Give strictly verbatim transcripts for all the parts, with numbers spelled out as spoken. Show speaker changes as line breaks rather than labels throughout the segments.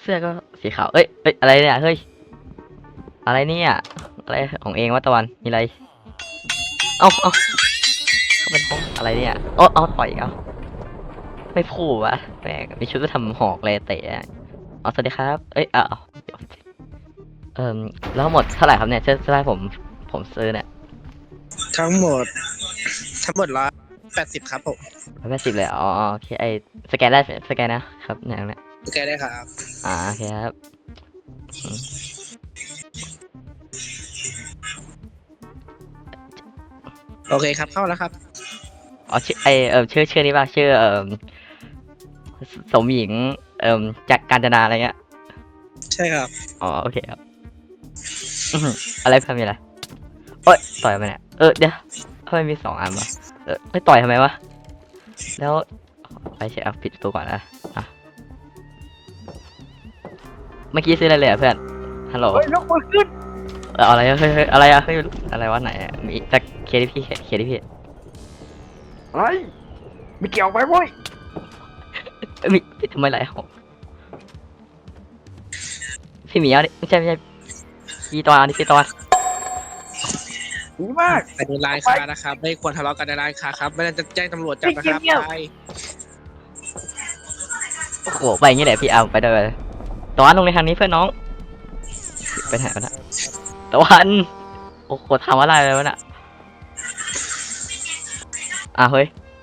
สื้อก็สีขาวเอ้ยเอ้ยอะไรเนี่ยเฮ้ยอะไรเนี่ยอะไรของเองวะตะวันมีอะไรเอ้าเอ้าเขาเป็นห้องอะไรเนี่ยเอ้าเอาต่อยเอาไม่พูดวะแม่งมีชุดก็ทำหอกเลยเตะอ๋อสวัสดีครับเอ้ยอ้าวเอ่อแล้วหมดเท่าไหร่ครับเนี่ยเชื่อได้ผมผมซื้อเนี่ย
ทั้งหมดทั้งหมดร้อยแปดสิบครับผม
ร้อยแปดสิบเลยอ๋อโอเคไอสแกนได้สแกนนะครับเนี่ยเนี่ย
โอเคได้ครับ
อ่าโอเคครับอืม
โอเคครับเข้าแล้วครับ
อ๋อชื่อไอเออชื่อชื่อนี้ป่ะชื่อเออสสมหญิงเอ่อจากกาญจนาอะไรเงี้ย
ใช่ครับ
อ๋อโอเคครับอื้อหืออะไรเพิ่มมีอะไรโอ๊ยต่อยไปเนี่ยเออเดี๋ยวทำไมมีสองอันวะเออไม่ต่อยทำไมวะแล้วไปเช็คเอาปิดประตูก่อนนะอ่ะเมื่อกี้ซื้ออะไรเลยอ่ะเพื่อนฮัลโหล
เฮ้ยยกมือขึ้น
เอออะไรอะเฮ้ยเฮ้ยอะไรอะเฮ้ยอะไรวะไหนอะมีจะเคลียร์ดิพี่เคลียร์ดิพี่
อะไรไม่เกี่ยวไปเว้ย
เอ้ยมีทำไมไหลหกพี่หมีเอาดิไม่ใช่ไม่ใช่พี่ตอนนี่พี่ตอน
ดีมาก
อันนี้ร้านค้านะครับ ไม่ควรทะเลาะกันในร้านค้าครับ ไม่งั้นจะแจ้งตำรวจจับนะครับ
เงียบๆ
ไป
โอ้โหไปอย่างงี้แหละพี่เอาไปด้วยเลยตะวันลงในทางนี้เพื่อนน้องไปไหนวะน่ะตะวันโอ้โหทำอะไรเลยวะน่ะอ่ะเฮ้ย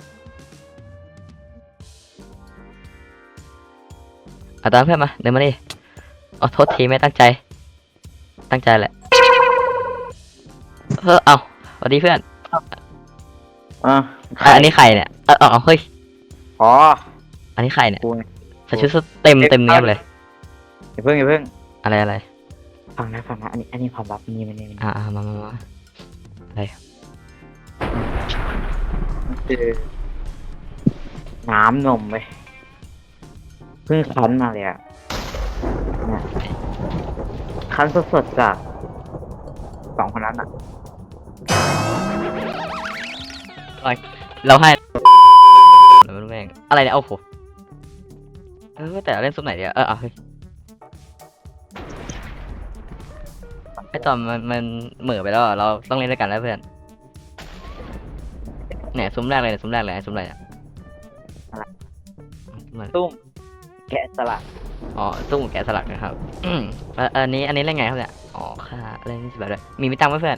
เอาตามเพื่อนมาเดินมาดิอ๋อโทษทีไม่ตั้งใจตั้งใจแหละเออเอาสวัสดีเพื่อน
อ่ะ
อ่ะอันนี้ใครเนี่ยเออเอาเฮ้ย
อ๋อ
อันนี้ใครเนี่ย
กู
ใส่ชุดเต็มเต็มเนี้ยบเลย
อย่าเพิ่งอย่าเพิ่ง
อะไรอะไร
ฟังนะฟังนะอันนี้อันนี้ความลับนี่มันนี่มัน
อ่ามามามาอะไร
คือน้ำนมไปเพิ่งคั้นมาเลยอ่ะเนี่ยคั้นสดๆจากสองคนนั้นอ่ะ
เราให้แล้วมันแม่งอะไรเนี่ยโอ้โหเออแต่เล่นซุปไหนเดียวเออเอาเฮ้ยไอตอนมันมันเหม่อไปแล้วอะเราต้องเล่นด้วยกันแล้วเพื่อนเนี่ยซุ้มแรกเลยเนี่ยซุ้มแรกเลยไอ้ซุ้มอะไรอ่ะมัน
ตุ้มแกะสลัก
อ๋อตุ้มแกะสลักนะครับอืมเอ่ออันนี้อันนี้เล่นไงครับเนี่ยอ๋อค่ะเล่นแบบเลยมีมิตังค์ไหมเพื่อน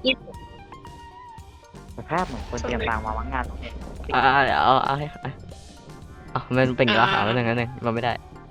สภาพเหมือนคนเตรียมตังค์มาวังงาน
อ่าเดี๋ยวเอาเอาให้เอาเอามันเป็นราคาแล้วหนึ่งแล้วหนึ่งมันไม่ได้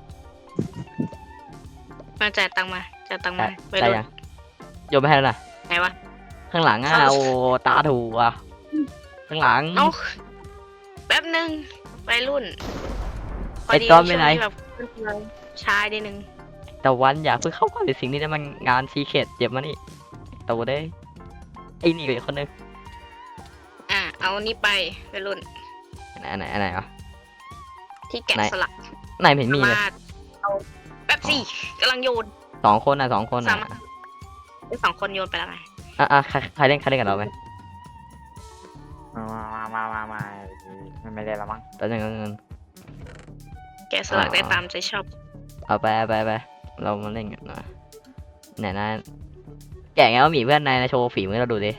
มาจ่ายตังค์มาจ่ายตังค์มาไป
ได้
ดู
ยังโยนไปให้แล้วนะ
ไหนวะ
ข้างหลังอ่ะ
เข้า
โอ้ตาถูกอ่ะข้างหลัง
เอ้าแป๊บนึงไปรุ่น
ไอ้ตอนไปไหน
ช่วงแบบชายนิดนึง
แต่วันอย่าเพิ่งเข้าก่อนในสิ่งนี้นะมันงานซีเคดเจ็บมานี่โตได้ไอ้นี่ก็อีกคนนึง
อ่ะเอานี่ไปไปรุ่น
ไหนไหนไหนวะ
ที่แกะ
ไหน
สลัก
ไหนไม่เห็นมีเลย
สาารถเอาแป๊บสี่กำลังโยน
สองคนอ่ะสองคน
สา
อ่ะ
มารถไอ้สองคนโยนไปแล้วไง
อ่ะอ่ะใครใครเล่นใครเล่นกับเราไหม
มามามามามามันไม่ได้ละมั้ง
แต่ยังเงิน
แกะสลัก
อ่า
ได้ตามใจชอบ
เอาไปเอาไปเอาไปเรามาเล่นกันนะไหนนะแกะไงว่าหมีเพื่อนนายนะโชว์ฝีมือเราดูดิ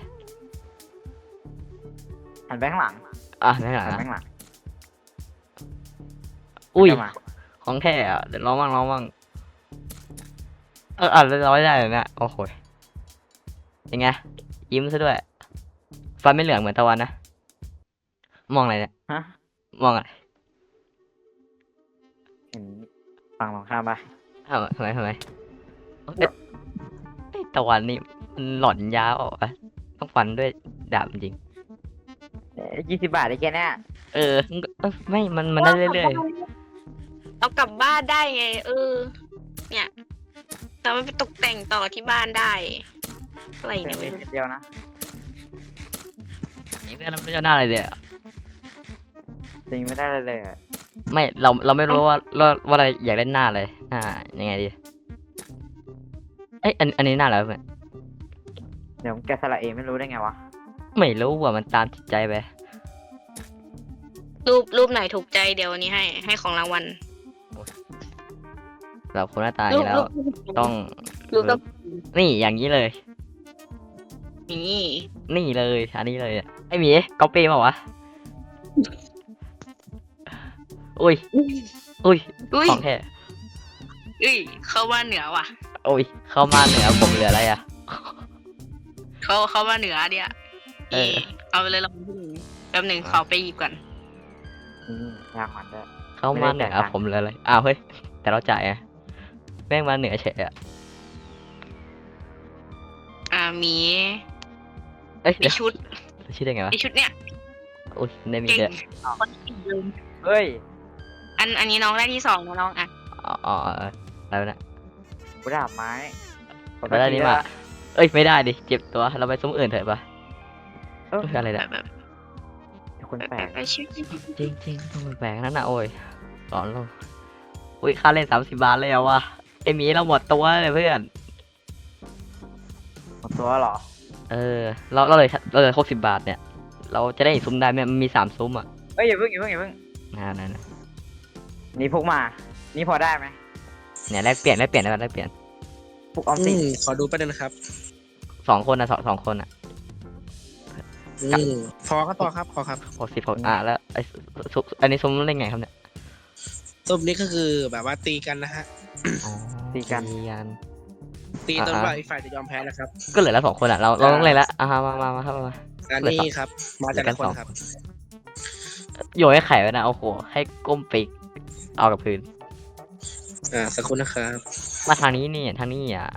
หันไปข้างหลัง
อ่ะไม่หลัง
หันไป
อ่ะ
ข้างหลัง
อุ้ย
เข้ามา
ของแท้อ่ะเดี๋ยวลองบ้างลองบ้างเอออ่ะเราไม่ได้เลยเนี่ยโอ้โหยังไงยิ้มซะด้วยฟันไม่เหลืองเหมือนตะวันนะมองอะไรเนี่ย
ฮะ
มองอะไร
เห็นฝั่งตรงข้ามปะ
ทำไมทำไมทำไมเอ้ยไอ้ตะวันนี่มันหล่อนยาวอ่ะต้องฟันด้วยดาบจริง
ยี่สิบบาทได้แค่เนี้ย
เออเออไม่มันมันได้เรื่อย
เอากลับบ้านได้ไง เออ เนี่ยแต่มันไปตกแต่งต่อที่บ้านได้อะไรเนี่ยเว้ย
เดียวนะ
ๆนี่เพื่อนเราไม่เจ้าหน้าอะไรเลยอะ
จริงไม่ได้เลยเลยอะ
ไม่เราเราไม่รู้ว่าว่าว่าอะไรอยากเล่นหน้าเลยหน้ายังไงดีเอ้ยอันอันนี้หน้าอะไรวะเพื่อน
เดี๋ยวผมแกะสลักเองไม่รู้ได้ไงวะ
ไม่รู้ว่ามันตามจิตใจไป
รูปรูปไหนถูกใจเดี๋ยววันนี้ให้ให้ของรางวัล
แบบคนหน้าตาอย่างนี้แล้ว ต้อง
ลูกก็
นี่อย่างนี้เลย
นี่
นี่เลยอันนี้เลยอะไอหมีก๊อปปี้เปล่าวะอุ้ยอุ้ย
อุ้ย
ของแท้
อุ้ยเข้าบ้านเหนือว่ะ
อุ้ยเข้ามาเหนือผมเหลืออะไรอะ
เขาเขามาเหนือเดีย
เออ
เอาไปเลยลองที่หนึ่งแป๊บหนึ่งขอไปหยิบก่อน
อืมยากมันด้วย
เข้ามาเหนือผมเหลืออะไรอ้าวเฮ้ยแต่เราจ่ายไงแม่งมาเหนือเฉยอะ
อ่ามี
เอ้ย
มี
เดี๋ยว
ชุด
ชื่อได้ไงวะ
มีชุดเนี่ย
อุ้ยได้มี
เก่ง
เยอะ
คนเก่งเลย
เฮ้ย
อันอันนี้น้องได้ที่สองนะน้องอ่ะ
อ๋ออ๋ออ๋ออะไรวะเนะ
กูดาบไม้
ไปได้นี่มาเอ้ยไม่ได้ดิเจ็บตัวเราไปซุ้มอื่นเถอะปะ
เออ
เอ้ยอะไร
แบ
เนี่ย
บแบบ
คนแปลก
แบบชุด
จริงจริงๆต้องแปลกๆนั่นนะโอ้ยสอนเราอุ้ยค่าเล่นสามสิบบาทเลยอะวะไอหมีเราหมดตัวเลยเพื่อน
หมดตัวเหรอ
เออเราเราเลยเราเลยหกสิบบาทเนี่ย เราจะได้อีกซุ้มได้ไหมมันมีสามซุ้มอ่ะ
เอ้ยอย่าเพิ่งอย่าเพิ่งอย่าเพิ่ง
นะนะนะ
นี่พกมา นี่พอได้ไหม
เนี่ยแลกเปลี่ยนแลกเปลี่ยนได้ปะแลกเปลี่ยน
พกออม
อื
สิน
มขอดูประเด็นนะครับ
สองคนนะสองสองคนอ่ะ
อืมพอครับพอครับพอครับ
หกสิบหกอ่ะแล้วไอซุอันนี้ซุ้มเล่นไงครับเนี่ย
ซุปนี้ก็คือแบบว่าตีกันนะฮะ
อ๋อตีกัน
ตีจน
อ่า
กว่าอีกฝ่ายจะยอมแพ้นะครับ
ก็เหลือแล้วสองคนอ่ะเราเราต้องเล่นละอ่ะมามามามาครับมา
อันนี้ครับ มาจากละคนครับ
โยนให้ไข่ไว้นะโอ้โหให้ก้มไปเอากับพื้น
อ่าสักครู่นะครับ
มาทางนี้นี่ทางนี้อ่ะ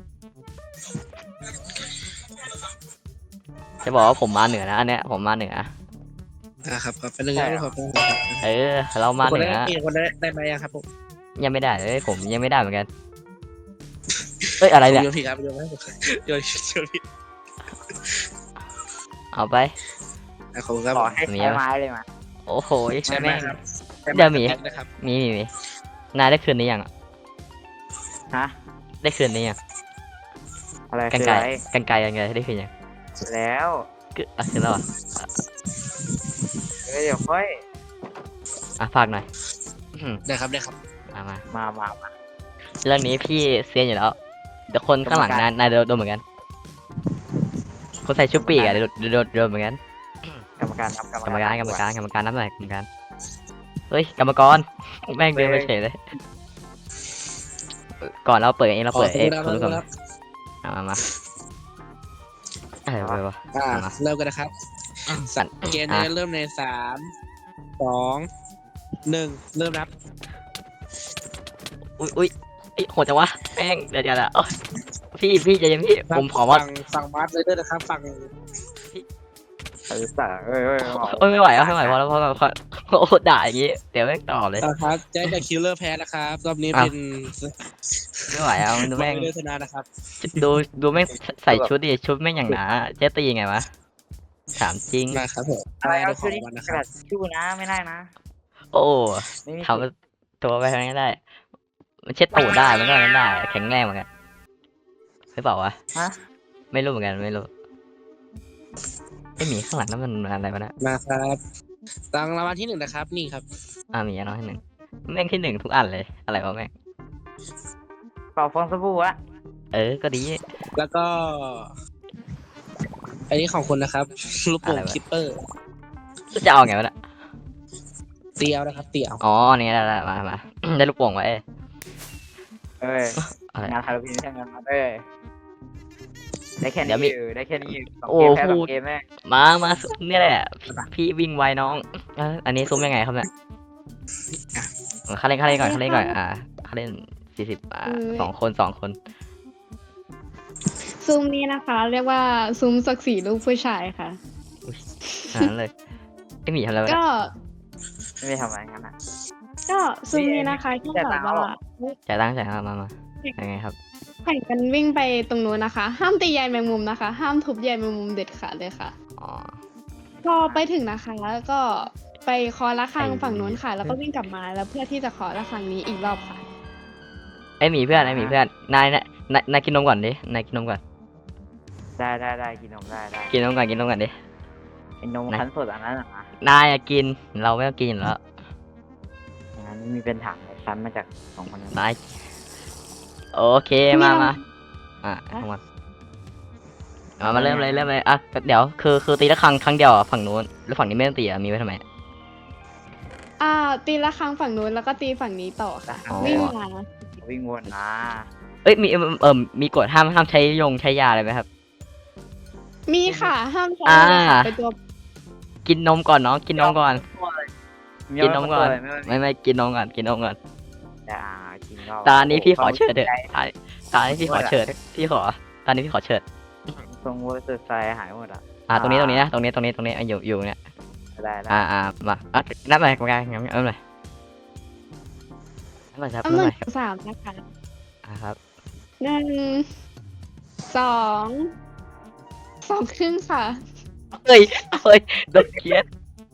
จะบอกว่าผมมาเหนือนะอันเนี้ยผมมาเหนือ
อ่าครับครับเป็นหนึ่งนะครับ
เออ เรามา
คน
เหนือ
ได้มีคนได้ได้ไหมยังครับผม
ยังไม่ได้เลยผมยังไม่ได้เหมือนกันเอ้ยอะไรเนี่ย
โยนผิดครับโยนไม่ถูกโยนโยนผิด
เอาไป
อ่ะขอบคุณครับ
ขอให้ใช้ไม้เลยมา
โอ้โห
ใช่ไหม
แม่ง
ครับ
เดี๋ยวหมี
นะครับ
มีมีมีนายได้คืนนี้ยังอะ
ฮะ
ได้คืนนี้ยัง
อะไร
กัน
คือ
ไกล
อะไร
กันไกลยังไงได้คืนยัง
แล้ว
คืออ่ะคืนแล้วเหรอ
เอ้ยเดี๋ยวค่อย
อ่ะฝากหน่อยอืม
ได้ครับได้ครับ
มามา
มามามา
เรื่องนี้พี่เซียนอยู่แล้วเดี๋ยวคนข้างหลังนายนายโดนโดนเหมือนกัน คนใส่ชุดปีกอะโดนโดนโดนเหมือนกัน
กรรมการครับ
กรรมการกรรมการกรรมการนับหน่อยกรรมการเฮ้ยกรรมกรแม่งเดินไปเฉยเลยก่อนเราเปิดเองเราเปิดเอง
ขอบ
คุ
คุ
ณ
ณ
ผู้ชม
ครับ
มามามาอะไรวะ
อ่า
เอามา
เริ่มกันนะครับ
สั่น
เกมนี้เริ่มในสามสองหนึ่งเริ่มนับ
อุ้ยอุ้ยไอ้ยโหดจังวะแม่งเดี๋ยวเดี๋ยวเดี๋ยวโอ๊ยพี่พี่ใจเย็นพี่ผมขอว่า
ฝั่งฝั่งบาสเลยด้วยนะครับฝั่ง
เออสาเอ้ยเอ้ย
โอ้ยไม่ไหวแล้วไม่ไหวพอแล้วพอแล้วพอโอ้โหด่าอย่างงี้เดี๋ยวแม่งต่อเลย
อ่าครับแจ็คกับคิลเลอร์แพ้นะครับรอบนี้
อ้าว
เป็น
ไม่ไหวเอาดูแม่ง
เลือชนะนะครับ
ดูดูแม่งใส่ชุดดิชุดแม่งอย่างหนาเจ๊ตียังไงวะถามจริง
มาครับผม
อะไร
ได้
เอา
ข
ชื่
อ
อง นี้
วันนะค
กระ
รั
ดา
บ
ษชื่อนะไม่ได้นะ
โอ้
ไม่มี
ทำตัวไปทางนี้ได้ มันเช็ดตูดได้มันก็นั้นได้แข็งแรงเหมือนกันหรือเปล่าวะ
ฮะ
ไม่รู้เหมือนกันไม่รู้ไอหมีข้างหลังนั่นมันอะไรวะเนะ
มาครับรางรางวัลที่หนึ่งนะครับ นี่ครับ
อ่ามีอันน้อยที่หนึ่งแม่งที่หนึ่งทุกอันเลยอะไรวะแม่ง
เป่าฟองสบู่อะ
เออก็ดี
แล้วก็อันนี้ของคุณนะครับลูกโป่ง
อะไรวะ
คิปเปอร์
จะเอาไงวะเนะ
เตียวนะครับเตียว
อ๋อนี่ได้ได้มามา ได้ลูกโป่งไว้
เอ้ย
อะไร
งานฮาโลวีนใช่ไหมครับเอ้ยได้แค่
เดี๋
นี้
ยวมี
อยู่ได้แค่นี้อยู่สอง
โอ้
เกมแพ้ส
พู
อ
ด
งเกมแม่ง
มามาซุ้มนี่แหละพี่พี่วิ่งไวน้องเอ้ยอันนี้ซุ้มยังไงครับเนี่ยเขาเล่นเขาเล่นก่อนเขาเล่นก่อนอ่าเขาเล่นสี่สิบอ่าสองคนสองคน
ซุ้มนี้นะคะ เรียกว่าซุ้มศักดิ์ศรีลูกผู้ชายค่ะ
อ่านั้นเลยไอหมีทำอะไรวะ
ก็
เนี่ย
ไม่ได้ทำอะไรงั้นอ่ะ
ก็ซุ้มนี้นะคะที่
แต่
แบ
ตัง
บ
ค์เอาหรอ
ว่า
จ่ายตังค์จ่ายตังค์มามายังไงครับ
แข่งกันวิ่งไปตรงนู้นนะคะ ห้ามตีใยแมงมุมนะคะ ห้ามทุบใยแมงมุมเด็ดขาดเลยค่ะ
อ๋อ
พอไปถึงนะคะแล้วก็ไปเคอระฆัง
ไอ้
ฝั่งนู้นค่ะ แล้วก็วิ่งกลับมาแล้วเพื่อที่จะเคอระฆังนี้อีกรอบค่ะ
ไอหมีเพื่อนไอหมีเพื่อนนายนายนายนายกินนมก่อนดินายกินนมก่อน
ได้ได้ได้กินนมได้ได้
กินนมก่อนกินนมก่อนดิ
ไอ้นม
ไหน
คั้นสดอันนั้นอ่ะนะ
นายอะกินเราไม่ต้องกินอยู่แล้ว
อย่างนั้นมีเป็นถังเลยซันมาจากสองคนนั้น
นายโอเคมามาอ่ะทั้งวันมามาเริ่มเลยเริ่มเลยอ่ะเดี๋ยวคือคือตีละครั้งครั้งเดียวอ่ะฝั่งนู้นแล้วฝั่งนี้ไม่ต้องตีอ่ะมีไว้ทำไม
อ่าตีละครั้งฝั่งนู้นแล้วก็ตีฝั่งนี้ต่อค่ะ
อ๋อ
วิ่งมา
วิ่งวนนะ
เอ้ยมีเออเออมีกฎห้ามห้ามใช้ยงใช้ยาอะไรไหมครับ
มีค่ะห้ามใช้
อ่า
เลยค่ะเป็นตัว
กินนมก่อนน้องกินนมก่อน กินนมก่อน
ไม่
ไม่ไม่กินนมก่อนกินนมก่อน
อ่ากินก็
ตานี้พี่ขอเชิดเถอะตาตานี้พี่ขอเชิดพี่ขอตานี้พี่ขอเชิด
ทรงเวอร์ซไซหายหมดอ่ะ
อ่าตรงนี้ตรงนี้นะตรงนี้ตรงนี้ตรงนี้อ่ะอยู่อยู่เนี่ย
ได้ได้
อ่าอ่ามาอ่ะนับไปกรรมการงั้นเอาเลยนับไปครับ
เอา
นับ
หนึ่
ไป
งสามนะคะ
อ่าครับ
หนึ่งสองสองครึ่งค่ะ
เฮ้ยเฮ้ยโดนเคียด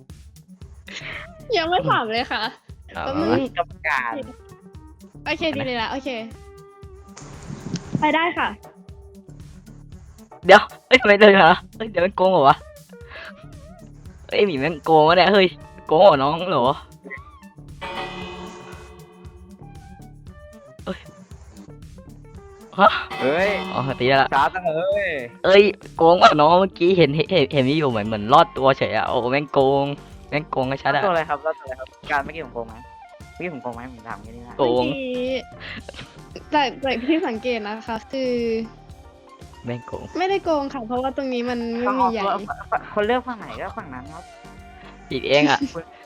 ยังไม่สามเลยค่ะ
เอา
แป๊บ
มา
นึง
มา
กรรมการ
โอเคดีเลยละโอเค ไปได้ค่ะ
เดี๋ยวเฮ้ยทำไมเดินเหรอเฮ้ยเดี๋ยวมันโกงเหรอวะเฮ้ยหมีแม่งโกงวะเนี่ยเฮ้ยโกงเหรอน้องเหรอเฮ้ยฮะ
เฮ้ย
อ๋อตีได้ละ
ช้าจังเลย
เอ้ยโกงว่ะน้องเมื่อกี้เห็นเห็นเห็นเห็นมีอยู่เหมือนเหมือนรอดตัวเฉยอะโอ้แม่งโกงแม่งโกงก็ชัดอะ
ตัวอะไรครับตัวอะไรครับการเมื่อกี้ผมโกงไหมเมื่อกี้ผมโกงไหมผมถามแค่นี้นะ
โกง
เมื่อกี้จากจากที่สังเกตนะคะ คือ
แม่งโกง
ไม่ได้โกงค่ะ เพราะว่าตรงนี้มันไม่มีใหญ่
คนเลือกฝั่งไหนก็ฝั่งนั้นครับ
ผิดเองอะ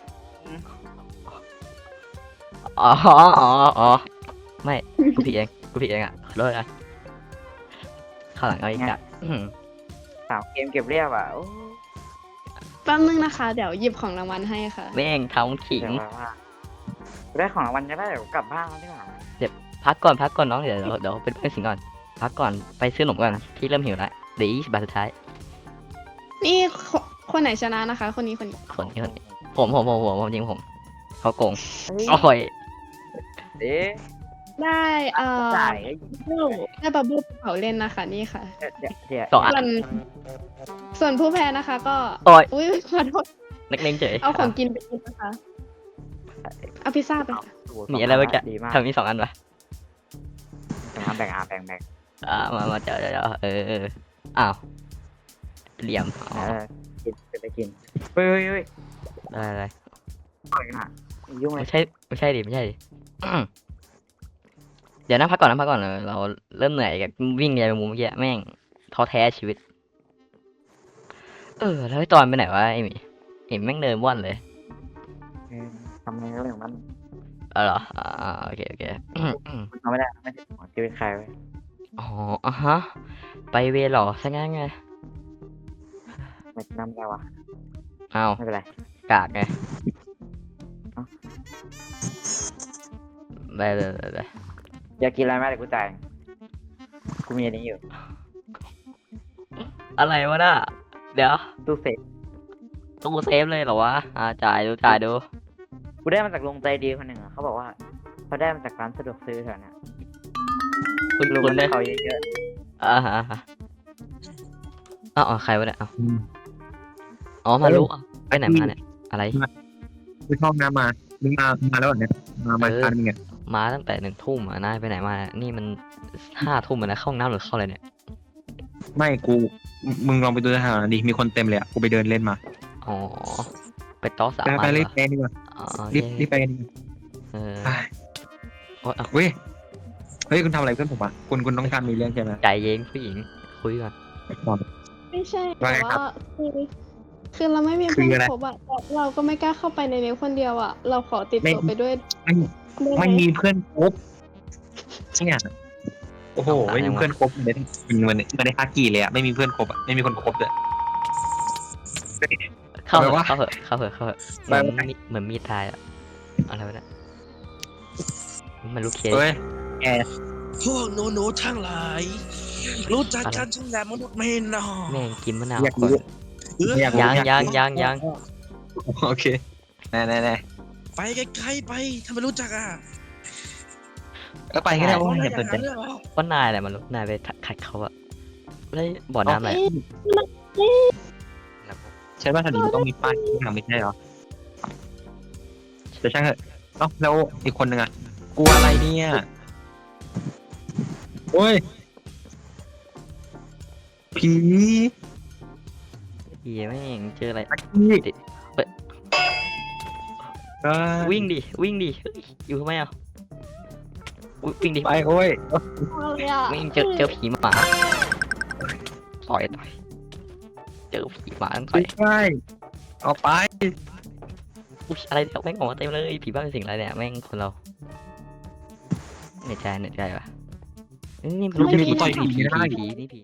อ๋ออ๋ออ๋อไม่กูผิดเองกูผิดเองอะขอโทษนะข้างหลังเอาอีกอะอื้อหือ
สามเกมเก็บเรียบอ่ะโอ้
แป๊บนึงนะคะ เดี๋ยวหยิบของรางวัลให้ค่ะ
แม่งทำขิง
เดี๋ยวว่าได้ของรางวัลจะได้เดี๋ยวกลับบ้านแล้วดีกว่า
พักก่อนพักก่อนน้องเดี๋ยวเดี๋ยวเดี๋ยวเป็นเพื่อนสิงก่อนพักก่อนไปซื้อขนมก่อนพี่เริ่มหิวแล้วเดี๋ยวยี่สิบบาทสุดท้าย
นี่คคนไหนชนะนะคะ คนนี้คนนี้
คนนี้คนนี้ผมผมผมผมผมจริงผมเขาโกง
เฮ้ย
โอ้ย
เอ๊ะ
ได้เอ่อ
จ่าย
ได้บับเบิ้ลภูเขาเล่นนะคะ นี่ค่ะ
เดี๋ยวเดี๋ยวเดี๋ยว
สองอัน
ส่วนส่วนผู้แพ้นะคะ ก็
โอ้ย
อุ้ยขอโทษ
นักเลงเฉย
เอาของกินไปกินนะคะ เอาพิซซ่าไปค่ะ
มีอะไรเมื่อกี้
ดีมาก
ทำมีสองอันปะ
แบ่งแบ่งอ่ะแบ่งแบ่ง
อ่ามามาเดี๋ยวเดี๋ยวเดี๋ยวเออเอออ้าวเหลี่ยมอ๋อ
เออกินไปกินเฮ้ยเฮ้ยเฮ้ย
ได้ได้
ปล่อยกันอ่ะยุ่งเลย
ไม่ใช่ไม่ใช่ดิไม่ใช่ดิอื้อเดี๋ยวนะพักก่อนนะพักก่อนเราเราเริ่มเหนื่อยกับวิ่งใหญ่ไปมุมเมื่อกี้แม่งท้อแท้ชีวิต เออแล้วไอ้ตอนไปไหนวะไอ้หมีเห็นแม่งเดินว่อนเลย
เออทำไงก็เรื่องของมัน
เออเหรออ่าโอเคโอเคอืมอืม
ทำไม่ได้ไม่ใช่ของชีวิตใครไว้
อ๋ออ่ะฮะไปเวรเหรอซะงั้นไง
ไม่นำได้วะ
อ้าว
ไม่เป็นไร
กากไงไปเลยไปเลย
อยากกินอะไรไหมเดี๋ยวกูจ่ายกูมีอันนี้อยู่
อะไรวะน่ะเดี๋ยว
ตู้เซฟ
ตู้เซฟเลยเหรอวะอ่าจ่ายดูจ่ายดู
กูได้มาจากลุงใจดีคนหนึ่งอะเขาบอกว่าเขาได้มาจากร้านสะดวกซื้อแถวเนี้ย
คุณ
ลุง
คุณ
ได้
เนี่ย
เขาเยอะ
อ่าฮะอ่าฮะอ้าวอ๋อใครวะเนี่ยอ้าวอ๋อมารู้อ่ะไปไหนมาเนี่ยอะไร
ไปเข้าห้องน้ำมา มึงมา มาแล้วเหรอเนี่ย มามา
เออ
ทานมึงไง
มาตั้งแต่หนึ่งทุ่มอ่ะนายไปไหนมาเนี่ยนี่มันห้าทุ่มแล้วนะเข้าห้องน้ำหรือเข้าอะไรเนี่ย
ไม่กู มึงลองไปดูสถานะดิ มีคนเต็มเลยอ่ะ กูไปเดินเล่นมา
อ๋อไปโต๊ะสาม
ไป
อั
ไป
น
รี
เห
บ
รอ
ไปดีกว่า
อ๋อ
รีบ
โอเค
รีบไปกันดีกว่า
เออ
ไป
โอ๊ยเอา
เว้ย เฮ้ย คุณทำอะไรเพื่อนผมอ่ะ คุณคุณต้องการมีเรื่องใช่ไหม
ใจเย็นผู้หญิงคุยก่อน
ไม่ใช่
ว่า
แต่
ไงครับ
ว่าคือคือเราไม่มี
คือ
เพื่อน
อะไร
ครบอะเราเราก็ไม่กล้าเข้าไปในนี้คนเดียวอะเราขอติดตัวไปด้วย
ไม่
ได้ไห
ไม่มีเพื่อนครบเนี่ยโอ้โห ไม่มีเพื่อนครบเหมือนเหมือนเหมือนในฮากีเลยอ่ะ ไม่มีเพื่อนครบอ่ะ ไม่มีคนครบเลย
เข้าเถ
อะไร
อะ
วะ
เข้าเถอะเข้าเถอะเข้าเถอะเห
ไป
มือน
ไป
มีเหมือนมีดตายอะอะไรวะเนี่ยมันลูกเคส
เฮ้ย
พวกหนูหนูๆทั้งหลาย รู้จักกันทั้งแหลมมนุษย์ไหม่นอ
แม่งกินมะนาว
อยาก
ก่อน
รู้
เออ
ไม่อยากรู้
ยังยังยังยัง
โอเค แน่แน่แน่
ไปไกลๆไปถ้าไม่รู้จักอ่ะ
ก็ไปก็ได้
เพ
ว่า
ราะ
อย่า
อ
ส
ย่าน ง
ใจ
นั้นเลยเหรอ
ว่านายแหละมันลูกนายไปขัดเขาอะแล้วบ่อน้ำอะไร
ใช่ว่าถนนต้องมีป้ายที่ทำไม่ใช่เหรอแต่ช่างเถอะเอ้าแล้วอีกคนนึงอ่ะกลัวอะไรเนี่ยโอ้ยผี
ผีแม่งเจออะไร
ตะกี้
เฮ้ย
เอ้ย
วิ่งดิวิ่งดิเฮ้ยอยู่ทำไมอ่ะอุ๊ยวิ่งดิ
ไปโอ้ย
วิ่งเจอเจอผีหมาต่อยต่อยเจอผีหมาต่อย
ไม่ใช่เอาไป
อุ้ยอะไรเนี่ยแม่งออกมาเต็มเลยผีบ้าเป็นสิ่งอะไรเนี่ยแม่งคนเราเหนื่อยใจเหนื่อยใจว่ะนี่มันรู้จะผีผีผีผีผีนี่ผี